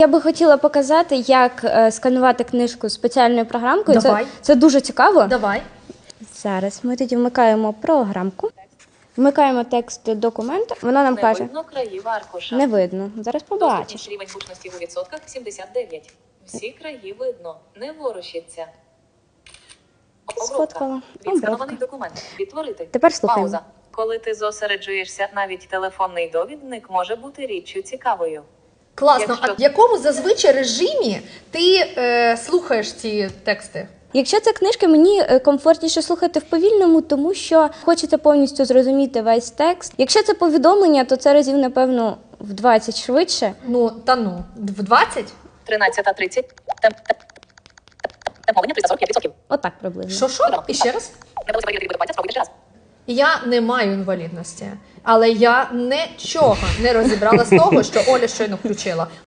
Я би хотіла показати, як сканувати книжку спеціальною програмкою. Давай. Це дуже цікаво. Давай. Зараз ми тоді вмикаємо програмку, вмикаємо текст документу, вона нам каже, видно країв аркуша. не видно. Зараз побачиш. Доступність рівень гучності у відсотках 79. Всі краї видно. Не ворушиться. Сфоткала. Відсканований документ. Відтворити. Тепер слухаємо. Пауза. Коли ти зосереджуєшся, навіть телефонний довідник може бути річчю цікавою. Класно. Якщо- А в якому зазвичай режимі ти слухаєш ці тексти? Якщо це книжка, мені комфортніше слухати в повільному, тому що хочеться повністю зрозуміти весь текст. Якщо це повідомлення, то це разів, напевно, в 20 швидше. Ну, в 20? 13:30. Темповання 345%. Отак приблизно. Що? І ще раз? Не вдалося перевірити документацію, спробуйте ще раз. Я не маю інвалідності, але я нічого не розібрала з того, що Оля щойно включила.